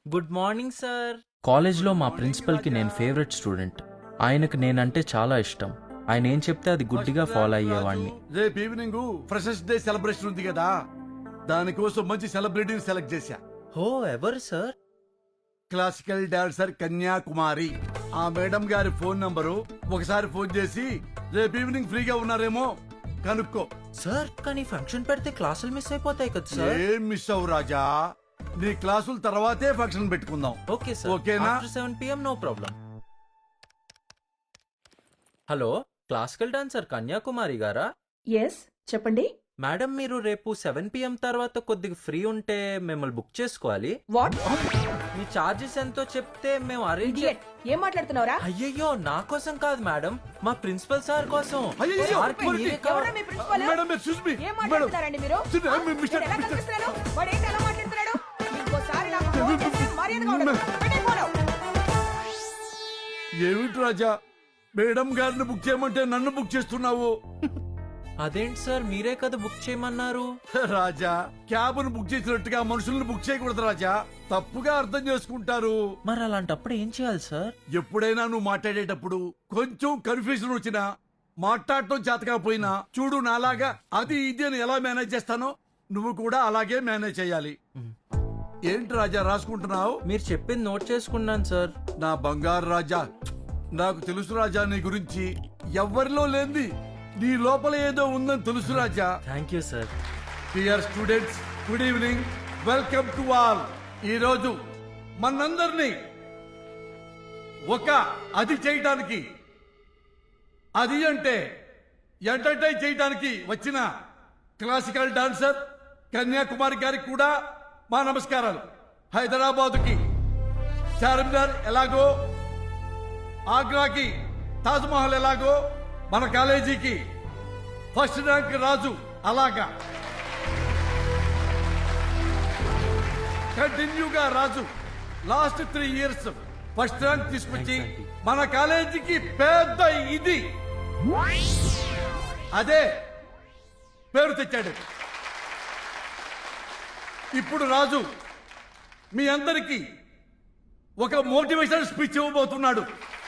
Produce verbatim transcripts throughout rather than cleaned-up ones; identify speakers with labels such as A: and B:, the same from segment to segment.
A: Good morning sir.
B: కాలేజ్లో మా ప్రిన్సిపల్కి నేను ఫేవరెట్ స్టూడెంట్. ఆయనకు నేనంటే చాలా ఇష్టం. ఆయన ఏం చెప్తే అది గుడ్డిగా ఫాలో అయ్యేవాడిని.
C: రేపు ఈవినింగ్ ఫ్రెషర్స్ డే సెలబ్రేషన్ ఉంది కదా, దానికోసం మంచి సెలబ్రిటీని సెలెక్ట్ చేశా.
A: హో, ఎవరు సార్?
C: Classical dancer Kanyakumari. ఆ మేడం గారి ఫోన్ నంబరు ఒకసారి ఫోన్ చేసి రేపు ఈవినింగ్ ఫ్రీగా ఉన్నారేమో కనుక్కో.
A: సార్ కానీ ఫంక్షన్ పెడితే క్లాసులు మిస్ అయిపోతాయి కదా సార్.
C: ఏం మిస్ అవ్వు రాజా, నీ క్లాసుల తర్వాతే ఫంక్షన్ పెట్టుకుందాం.
A: ఓకే సార్,
C: ఓకేనా?
A: After seven PM no problem. Hello, classical dancer Kanyakumari గారా?
D: ఎస్, చెప్పండి.
A: మేడం, మీరు రేపు సెవెన్ పిఎం తర్వాత కొద్దిగా ఫ్రీ ఉంటే మిమ్మల్ని బుక్ చేసుకోవాలి.
D: వాట్?
A: మీ చార్జెస్ ఎంతో చెప్తే మేము అరేంజ్.
D: ఇడియట్, ఏం మాట్లాడుతున్నావురా?
A: అయ్యయ్యో, నా కోసం కాదు మేడం, మా ప్రిన్సిపల్ సార్ కోసం.
C: అయ్యయ్యో,
A: సార్కి
C: మరి
A: మీరే కావాలి.
D: ఎవరా మీ ప్రిన్సిపల్?
C: Madam, excuse me.
D: ఏం మాట్లాడుతున్నారండి మీరు?
C: Sir, I'm
D: నేను
C: Mister-
D: ఎలా
C: Mister-
D: కనిపిస్తున్నాను? వాడు ఏంటి అలా మాట్లాడుతున్నాడు? ఇంకోసారి నాకు ఫోన్ చేస్తే మర్యాదగా ఉండదు. పెట్టే ఫోను.
C: ఏమిటి రాజా, మేడం గారిని బుక్ చేయమంటే నన్ను బుక్ చేస్తున్నావు?
A: అదేంటి సార్, మీరే కదా బుక్ చేయమన్నారు.
C: రాజా, క్యాబ్ ను బుక్ చేసినట్టుగా మనుషుల్ని బుక్ చేయకూడదు రాజా, తప్పుగా అర్థం చేసుకుంటారు.
A: మరి అలాంటప్పుడు ఏం చేయాలి సార్?
C: ఎప్పుడైనా నువ్వు మాట్లాడేటప్పుడు కొంచెం కన్ఫ్యూజన్ వచ్చినా, మాట్లాడటం చేతకపోయినా, చూడు నాలాగా అది ఇది అని ఎలా మేనేజ్ చేస్తానో నువ్వు కూడా అలాగే మేనేజ్ చేయాలి. ఏంటి రాజా రాసుకుంటున్నావు?
A: మీరు చెప్పింది నోట్ చేసుకున్నాను సార్.
C: నా బంగారు రాజా, నాకు తెలుసు రాజా నీ గురించి. ఎవ్వరిలో లేంది నీ లోపల ఏదో ఉందని తెలుసు Raja.
A: Thank you sir.
C: Dear students, good evening, welcome to all. ఈ రోజు మనందరినీ ఒక అది చేయడానికి, అది అంటే ఎంటర్టైన్ చేయడానికి వచ్చిన క్లాసికల్ డాన్సర్ కన్యాకుమారి గారికి కూడా మా నమస్కారాలు. హైదరాబాదుకి చార్మినార్ ఎలాగో, ఆగ్రాకి తాజ్మహల్ ఎలాగో, మన కాలేజీకి ఫస్ట్ ర్యాంక్ రాజు అలాగా కంటిన్యూగా Raju last three years first rank తీసుకొచ్చి మన కాలేజీకి పెద్ద ఇది అదే పేరు తెచ్చాడు. ఇప్పుడు రాజు మీ అందరికీ ఒక మోటివేషన్ స్పీచ్ ఇవ్వబోతున్నాడు.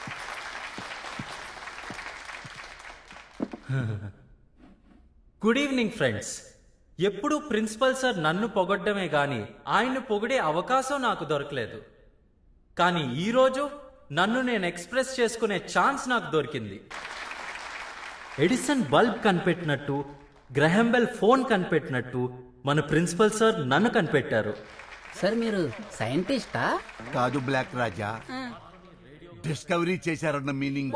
A: Good evening friends. ఎప్పుడు ప్రిన్సిపల్ సార్ నన్ను పొగడ్డమే గాని ఆయన్ని పొగిడే అవకాశం నాకు దొరకలేదు. కానీ ఈరోజు నన్ను నేను ఎక్స్ప్రెస్ చేసుకునే ఛాన్స్ నాకు దొరికింది. ఎడిసన్ బల్బ్ కనిపెట్టినట్టు, గ్రహంబెల్ ఫోన్ కనిపెట్టినట్టు మన ప్రిన్సిపల్ సార్ నన్ను కనిపెట్టారు.
E: సార్ మీరు సైంటిస్టా?
C: కాదు బ్లాక్ రాజా, డిస్కవరీ చేశారన్న మీనింగ్.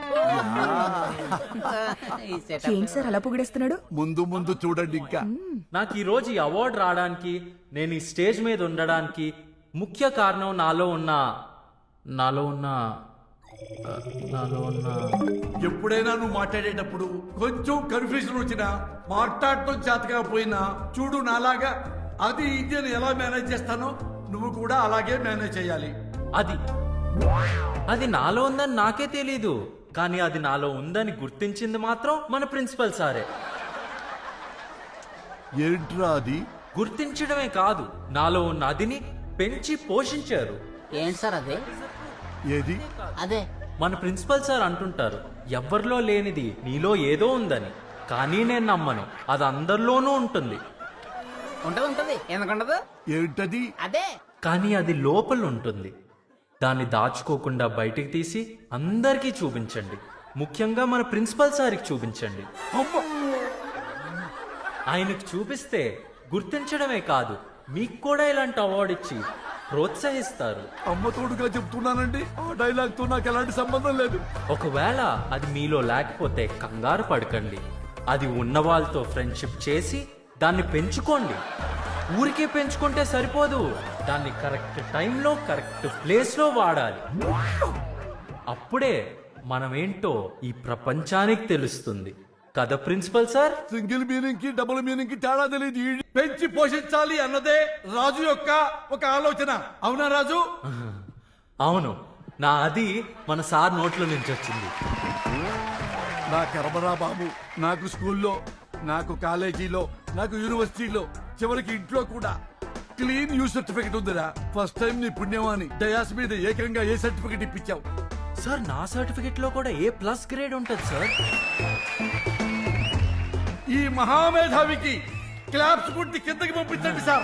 D: ఏంటి సార్ అలా పొగిడేస్తున్నాడు?
C: ముందు ముందు చూడండి. ఇంకా
A: నాకు ఈ రోజు ఈ అవార్డు రావడానికి, నేను ఈ స్టేజ్ మీద ఉండడానికి ముఖ్య కారణం నాలో ఉన్న నాలో ఉన్న ఆ, నాలో ఉన్న
C: ఎప్పుడైనా నువ్వు మాట్లాడేటప్పుడు కొంచెం కన్ఫ్యూజన్ వచ్చినా, మాట్లాడటం చేతకపోయినా, చూడు నాలాగా అది ఇది అని ఎలా మేనేజ్ చేస్తానో నువ్వు కూడా అలాగే మేనేజ్ చేయాలి.
A: అది అది నాలో ఉందని నాకే తెలీదు, కానీ అది నాలో ఉందని గుర్తించింది మాత్రం మన ప్రిన్సిపల్ సారే.
C: ఏంట్రా అది?
A: గుర్తించడమే కాదు, నాలో ఉన్న అదిని పెంచి పోషించారు.
E: ఏంటి సార్ అదే?
C: ఏది?
E: అదే
A: మన ప్రిన్సిపల్ సార్ అంటుంటారు, ఎవ్వరిలో లేనిది నీలో ఏదో ఉందని. కానీ నేను నమ్మను, అది అందరిలోనూ ఉంటుంది.
E: ఉంటది ఉంటది ఎందుకుండదు?
C: ఏంటది?
E: అదే
A: కానీ అది లోపల ఉంటుంది. దాన్ని దాచుకోకుండా బయటికి తీసి అందరికీ చూపించండి. ముఖ్యంగా మన ప్రిన్సిపల్ సార్కి చూపించండి.
C: అమ్మా!
A: ఆయనకు చూపిస్తే గుర్తించడమే కాదు, మీకు కూడా ఇలాంటి అవార్డు ఇచ్చి ప్రోత్సహిస్తారు.
C: అమ్మ తోడుగా చెప్తున్నానండి, ఆ డైలాగ్ తో నాకు ఎలాంటి సంబంధం లేదు.
A: ఒకవేళ అది మీలో లేకపోతే కంగారు పడకండి. అది ఉన్న వాళ్ళతో ఫ్రెండ్షిప్ చేసి దాన్ని పెంచుకోండి. ఊరికే పెంచుకుంటే సరిపోదు, దాన్ని కరెక్ట్ టైంలో కరెక్ట్ ప్లేస్లో వాడాలి. అప్పుడే మనమేంటో ఈ ప్రపంచానికి తెలుస్తుంది కదా ప్రిన్సిపల్ సార్.
C: సింగిల్ మీనింగ్ కి డబుల్ మీనింగ్ కి తేడా తెలియదు. ఈ పెంచి పోషించాలి అన్నదే రాజు యొక్క ఒక ఆలోచన. అవునా రాజు?
A: అవును, నా అది మన సార్ నోట్లో నుంచి వచ్చింది.
C: నా కర్మరా బాబు, నాకు స్కూల్లో, నాకు కాలేజీలో, నాకు యూనివర్సిటీలో, చివరికి ఇంట్లో కూడా క్లీన్ యూ సర్టిఫికెట్ ఉందిరా. ఫస్ట్ టైం నీ పుణ్యమాని డయాస్ మీద ఏకంగా ఏ సర్టిఫికెట్ ఇప్పించావు.
A: సార్ నా సర్టిఫికెట్ లో కూడా ఏ ప్లస్ గ్రేడ్ ఉంటుంది సార్.
C: ఈ మహామేధావికి క్లాప్స్ కొట్టి కిందకి పంపించండి sir.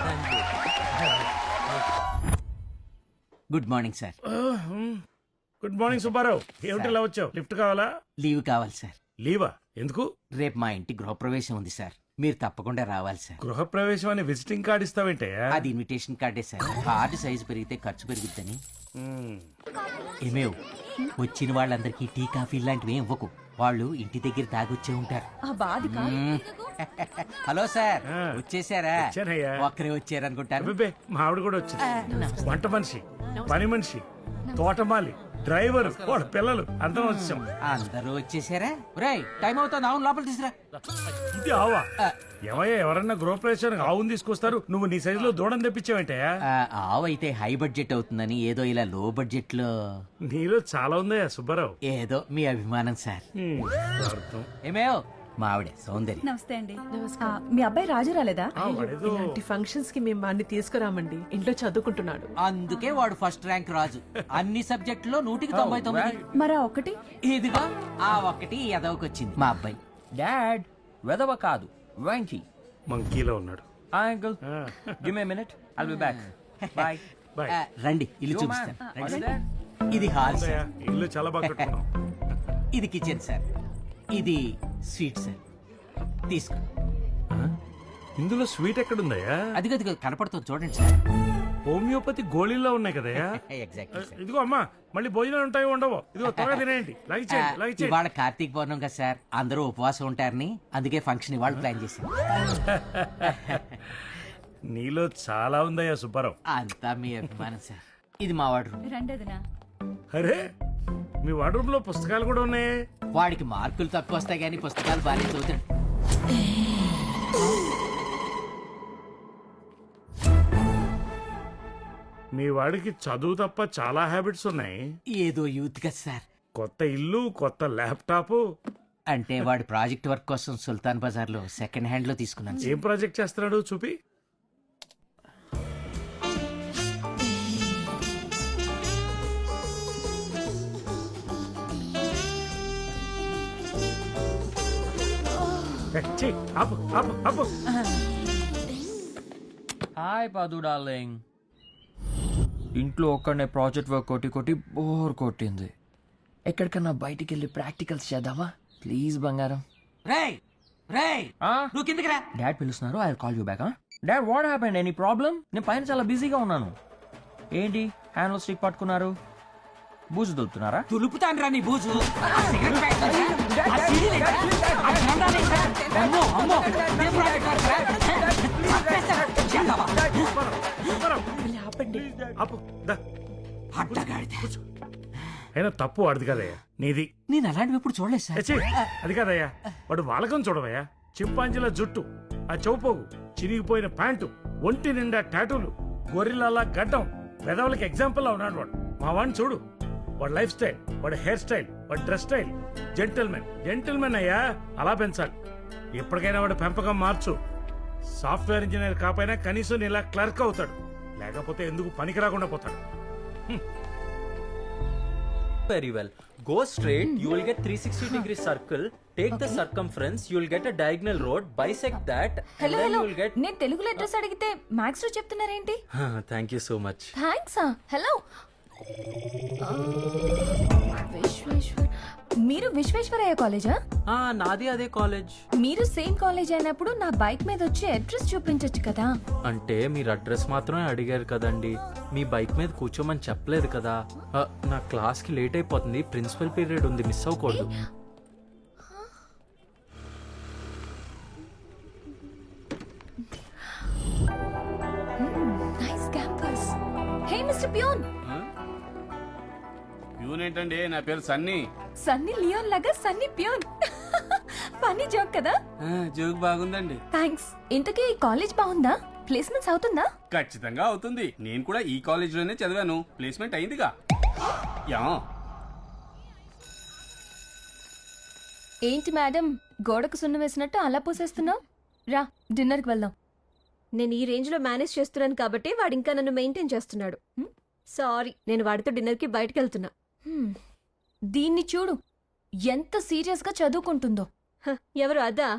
F: Good morning sir.
G: Good morning Subbarao. ఏమిటి ఇలా వచ్చావు? లిఫ్ట్ కావాలా?
F: లీవ్ కావాలి సార్.
G: లీవా? ఎందుకు?
F: రేపు మా ఇంటి గృహప్రవేశం ఉంది సార్, మీరు తప్పకుండా రావాలి సార్.
G: గృహప్రవేశం అని విజిటింగ్ కార్డ్ ఇస్తావేంటే?
F: అది ఇన్విటేషన్ కార్డే సార్. కార్డు సైజు పెరిగితే ఖర్చు పెరుగుద్దని. ఏమేవ్, వచ్చిన వాళ్ళందరికీ టీ కాఫీ లాంటివి ఏం ఇవ్వకు, వాళ్ళు ఇంటి దగ్గర తాగొచ్చే ఉంటారు.
D: ఆ బాధిక
F: మ్మ్. హలో సార్,
G: ఆ.
F: వచ్చేసారా?
G: వచ్చానయ్యా.
F: ఒక్కరే వచ్చారనుకుంటాను.
G: అబ్బే, మా ఆవిడ కూడా వచ్చింది. వంట మనిషి, పని మనిషి, తోటమాలి, డ్రైవర్, వాళ్ళ పిల్లలు అందరం వచ్చాం.
F: అందరూ వచ్చేసారా? రేయ్, టైం అవుతుంది, అవును లోపల తీసురా.
G: ఇది ఆవా? ఏమయ్యా, ఎవరన్నా గృహప్రవేశానికి ఆవును తీసుకొస్తారు, నువ్వు నీ సైజులో దూడం తెప్పించావంటే?
F: ఆ, ఆవు అయితే హై బడ్జెట్ అవుతుందని ఏదో ఇలా లో బడ్జెట్ లో.
G: నీలో చాలా ఉందయ్యా సుబ్బారావు.
F: ఏదో మీ అభిమానం సార్.
G: హ్మ్, అర్థం.
F: ఏమేవ్, మా ఆవిడే సౌందర్య.
D: నమస్తే అండి. మీ అబ్బాయి రాజు రాలేదా?
G: ఆ, వాడేదో
H: ఇలాంటి ఫంక్షన్స్ కి మేము వాడిని తీసుకురామండి, ఇంట్లో చదువుకుంటున్నాడు.
F: అందుకే వాడు ఫస్ట్ ర్యాంక్ రాజు, అన్ని సబ్జెక్టులో నూటికి తొంభై తొమ్మిది.
D: మరి ఆ ఒకటి
F: ఇదిగో ఆ ఒక్కటి ఎదవకొచ్చింది మా అబ్బాయి.
B: డాడ్ వెదవ కాదు, వెంకీ.
G: మంకీలో ఉన్నాడు.
B: Uncle give me minute, I'll be back. Bye.
G: Bye.
F: ఆ, రండి ఇల్లు చూపిస్తాను. ఇది హాల్
G: అయ్యా,
F: సార్,
G: ఇల్లు చాలా బాగా కట్టుకున్నాం.
F: ఇది కిచెన్ సార్, ఇది స్వీట్ సార్. తీసుకో.
G: ఇందులో స్వీట్ ఎక్కడుందయ్యా?
F: అదిగో అదిగో కనపడుతుంది చూడండి సార్.
G: హోమియోపతి గోళీల్లో ఉన్నాయి కదయ్యా.
F: Exactly sir.
G: ఇదిగో అమ్మా, మళ్ళీ భోజనాలు ఉంటాయో ఉండవో? ఇదిగో త్వరగా తినేయండి.
F: ఆ,
G: లగిచేయండి, లగిచేయండి.
F: ఇవాళ కార్తీక పౌర్ణం కదా సార్, అందరూ ఉపవాసం ఉంటారని అందుకే ఫంక్షన్ ఇవాళ ప్లాన్ చేశాను.
G: నీలో చాలా ఉందయ్యా సుబ్బారావు.
F: అంతా మీ అభిమానం సార్. ఇది మా వాడు రూమ్.
D: రెండోదినా
G: అరే, మీ వార్డ్రూమ్ లో పుస్తకాలు కూడా ఉన్నాయి.
F: వాడికి మార్కులు తక్కువ వస్తాయి కానీ పుస్తకాలు బాగానే చదువుతాడు.
G: మీ వాడికి చదువు తప్ప చాలా హ్యాబిట్స్ ఉన్నాయి.
F: ఏదో యూత్ కదా సార్.
G: కొత్త ఇల్లు, కొత్త ల్యాప్టాప్.
F: అంటే వాడి ప్రాజెక్ట్ వర్క్ కోసం సుల్తాన్ బజార్ లో సెకండ్ హ్యాండ్ లో తీసుకున్నాను సార్.
G: ఏం ప్రాజెక్ట్ చేస్తున్నాడు చూపి. ఏ, ఛీ, ఆపు, ఆపు, ఆపు.
B: హాయ్ పాదు డార్లింగ్. ఇంట్లో ఒక్కడనే ప్రాజెక్ట్ వర్క్ కొట్టి కొట్టి బోర్ కొట్టింది. ఎక్కడికన్నా బయటికి వెళ్ళి ప్రాక్టికల్స్ చేద్దామా ప్లీజ్ బంగారం?
F: రేయ్ రేయ్ నువ్వు కిందకి రా.
B: డాడ్ పిలుస్తున్నారు, I call you back. Dad what happened, any problem? నేను పైన చాలా బిజీగా ఉన్నాను. ఏంటి హ్యాండ్లో స్టిక్ పట్టుకున్నారు, బూజు దులుపుతున్నారా?
F: తులుపుతాను రా నీ బూజు. ఆ సిగరెట్ ప్యాకెట్ ఏంటా? ఆ సీడీలు ఏంటా? ఆ జెండాలు ఏంటా? అమ్మో, అమ్మో, ఇదే ప్రాజెక్ట్ వర్క్ రా. చంపేస్తా. జెండావా?
G: సుబ్బారావు,
H: ఆపండి.
G: ఆపు, దా.
F: అడ్డగాడిద.
G: అయినా తప్పు వాడిది కదయ్యా, నీది.
F: నేను అలాంటివి ఎప్పుడు చూడలేదు సార్.
G: ఏ, ఛీ, అది కాదయ్యా, వాడు వాలకం చూడవయ్యా. చింపాంజీల జుట్టు, ఆ చౌపోగు, చిరిగిపోయిన ప్యాంటు, ఒంటి నిండా టాటూలు, గొర్రెలలా గడ్డం, పెదవులకి ఎగ్జాంపుల్ లా ఉన్నాడు వాడు. మా వాడిని చూడు, వాడి లైఫ్ స్టైల్, వాడి హెయిర్ స్టైల్, వాడి డ్రెస్ స్టైల్, జెంటిల్మెన్ జెంటిల్మెన్ అయ్యా, అలా పెంచాలి. ఎప్పటికైనా వాడు పెంపకం మార్చు. సాఫ్ట్వేర్ ఇంజనీర్ కాకపోయినా కనీసం ఇలా క్లర్క్ అవుతాడు, లేకపోతే ఎందుకు పనికి రాకుండా పోతాడు.
A: Very well. Go straight, you will get three sixty degree circle. Take the circumference, you will get a diagonal road, bisect that, and
D: hello
A: then
D: hello
A: you will get...
D: నేను తెలుగులో అడ్రస్ అడిగితే maths లో చెప్తున్నారేంటి?
A: Thank you so much.
D: Thanks. Hello, Vishweshwar, మీరు విశ్వేశ్వరయ్య కాలేజా?
A: Ah, నాది అదే college.
D: మీరు సేమ్ కాలేజ్ అయినప్పుడు నా బైక్ మీద వచ్చి అడ్రస్ చూపించొచ్చు కదా.
A: అంటే మీరు అడ్రస్ మాత్రమే అడిగారు కదండి, మీ బైక్ మీద కూర్చోమని చెప్పలేదు కదా. ఆ, నా క్లాస్ కి లేట్ అయిపోతుంది, ప్రిన్సిపల్ పీరియడ్ ఉంది, మిస్ అవ్వకూడదు.
D: Nice campus. Hey mister peon.
I: Peon ఏంటండి, నా పేరు సన్నీ.
D: సన్నీ లియోన్ లాగా సన్నీ పియోన్. ఫన్నీ జోక్ కదా.
I: జోక్ బాగుందండి.
D: థ్యాంక్స్. ఇంతకీ ఈ కాలేజ్ బాగుందా? ప్లేస్మెంట్స్ అవుతుందా?
I: ఖచ్చితంగా అవుతుంది, నేను కూడా ఈ కాలేజ్ లోనే చదివాను, ప్లేస్మెంట్ అయిందిగా. యా.
D: ఏంటి మేడం, గోడకు సున్నం వేసినట్టు అలా పూసేస్తున్నావు? రా, డిన్నర్కి వెళ్దాం.
J: నేను ఈ రేంజ్ లో మేనేజ్ చేస్తున్నాను కాబట్టి వాడు ఇంకా నన్ను మెయింటైన్ చేస్తున్నాడు. సారీ, నేను వాడితో డిన్నర్ కి బయటకు వెళ్తున్నా.
K: హ్మ్. దీన్ని చూడు ఎంత సీరియస్ గా చదువుకుంటుందో.
J: హ, ఎవరు అదా?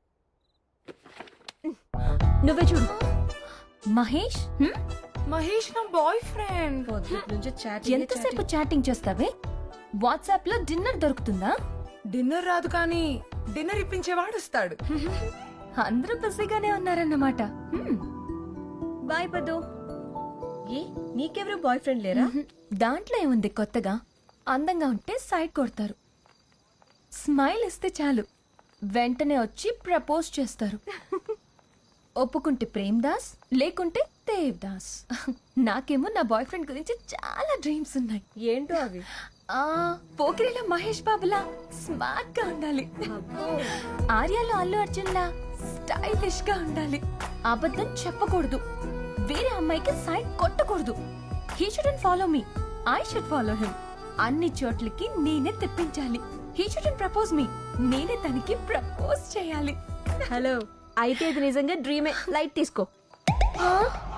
J: నువ్వే చూడు.
K: మహేష్ హ్మ్?
D: మహేష్ నా బాయ్ ఫ్రెండ్.
K: ఎంతసేపు చాటింగ్ చేస్తావే? వాట్సాప్ లో డిన్నర్ దొరుకుతుందా?
D: డిన్నర్ రాదు కానీ డిన్నర్ ఇప్పించేవాడు వస్తాడు.
K: అందరూ బిజీగానే ఉన్నారన్నమాట. హ్మ్.
J: బాయ్ పదు. ఏ నీకెవరు బాయ్ ఫ్రెండ్ లేరా?
K: మ్హూ. దాంట్లో ఏముంది కొత్తగా? అందంగా ఉంటే సైడ్ కొడతారు, స్మైల్ ఇస్తే చాలు వెంటనే వచ్చి ప్రపోజ్ చేస్తారు. ఒప్పుకుంటే ప్రేమ్ దాస్, లేకుంటే దేవ్ దాస్. నాకేమో నా బాయ్ ఫ్రెండ్ గురించి చాలా డ్రీమ్స్ ఉన్నాయి.
J: ఏంటో అవి?
K: ఆ పోకిరిలో మహేష్ బాబులా స్మార్ట్ గా ఉండాలి, ఆర్యాలో అల్లు అర్జున్ లా స్టైలిష్ గా ఉండాలి, అబద్ధం చెప్పకూడదు, వేరే అమ్మాయికి సైడ్ కొట్టకూడదు. He shouldn't follow me, I should follow him. అన్ని చోట్లకి నేనే తెప్పించాలి. హీ షుడెంట్ ప్రపోజ్ మీ, నేనే తనకి ప్రపోజ్ చేయాలి.
J: హలో, అయితే ఇది నిజంగా డ్రీమే. లైట్ తీసుకో.
K: ఆ?